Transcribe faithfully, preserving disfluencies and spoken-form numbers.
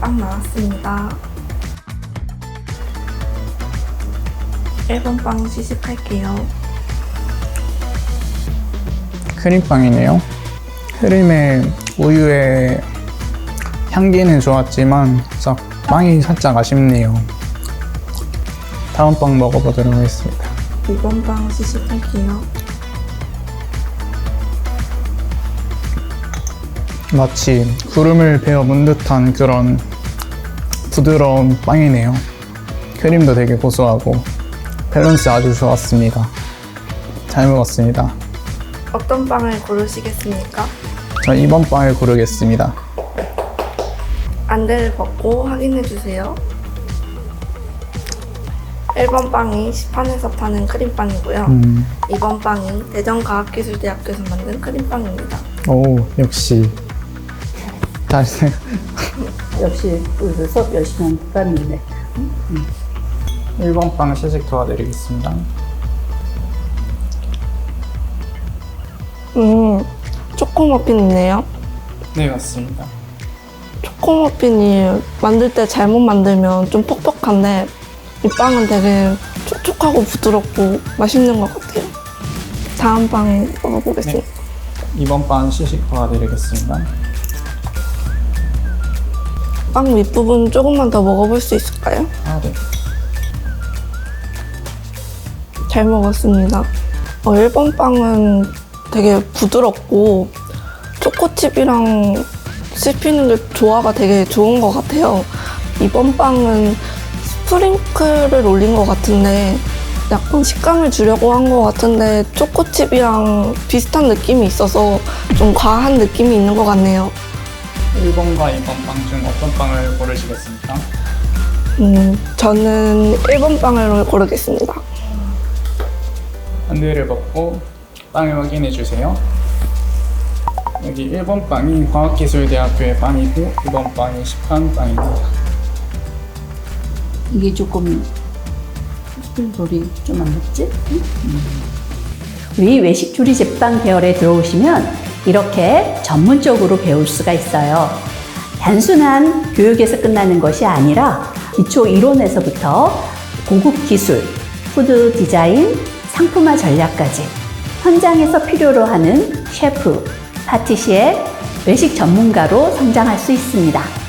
빵 나왔습니다. 일 번 빵 시식할게요. 크림빵이네요. 크림의 우유의 향기는 좋았지만 싹 빵이 살짝 아쉽네요. 다음 빵 먹어보도록 하겠습니다. 이 번 빵 시식할게요. 마치 구름을 베어 문 듯한 그런 부드러운 빵이네요. 크림도 되게 고소하고 밸런스 아주 좋았습니다. 잘 먹었습니다. 어떤 빵을 고르시겠습니까? 전 이번 빵을 고르겠습니다. 안대를 벗고 확인해주세요. 일 번 빵이 시판에서 파는 크림빵이고요. 음, 이 번 빵이 대전과학기술대학교에서 만든 크림빵입니다. 오, 역시 다시 역시 그 수업 열심히 한 사람이네. 일 번 빵 시식 도와드리겠습니다. 음, 초코머핀이네요. 네, 맞습니다. 초코머핀이 만들 때 잘못 만들면 좀 퍽퍽한데 이 빵은 되게 촉촉하고 부드럽고 맛있는 것 같아요. 다음 빵 먹어보겠습니다. 이번 빵 시식 도와드리겠습니다. 빵 윗부분 조금만 더 먹어볼 수 있을까요? 아, 네. 잘 먹었습니다. 어, 일 번 빵은 되게 부드럽고 초코칩이랑 씹히는 게 조화가 되게 좋은 것 같아요. 이 번 빵은 스프링클을 올린 것 같은데 약간 식감을 주려고 한 것 같은데 초코칩이랑 비슷한 느낌이 있어서 좀 과한 느낌이 있는 것 같네요. 일 번과 이 번 빵 중 어떤 빵을 고르시겠습니까? 음, 저는 일 번 빵을 고르겠습니다. 안대를 벗고 빵을 확인해 주세요. 여기 일 번 빵이 과학기술대학교의 빵이고 이 번 빵이 시판 빵입니다. 이게 조금 스프링롤이 좀 안 먹지? 우리 외식조리 제빵 계열에 들어오시면 이렇게 전문적으로 배울 수가 있어요. 단순한 교육에서 끝나는 것이 아니라 기초 이론에서부터 고급 기술, 푸드 디자인, 상품화 전략까지 현장에서 필요로 하는 셰프, 파티시에, 외식 전문가로 성장할 수 있습니다.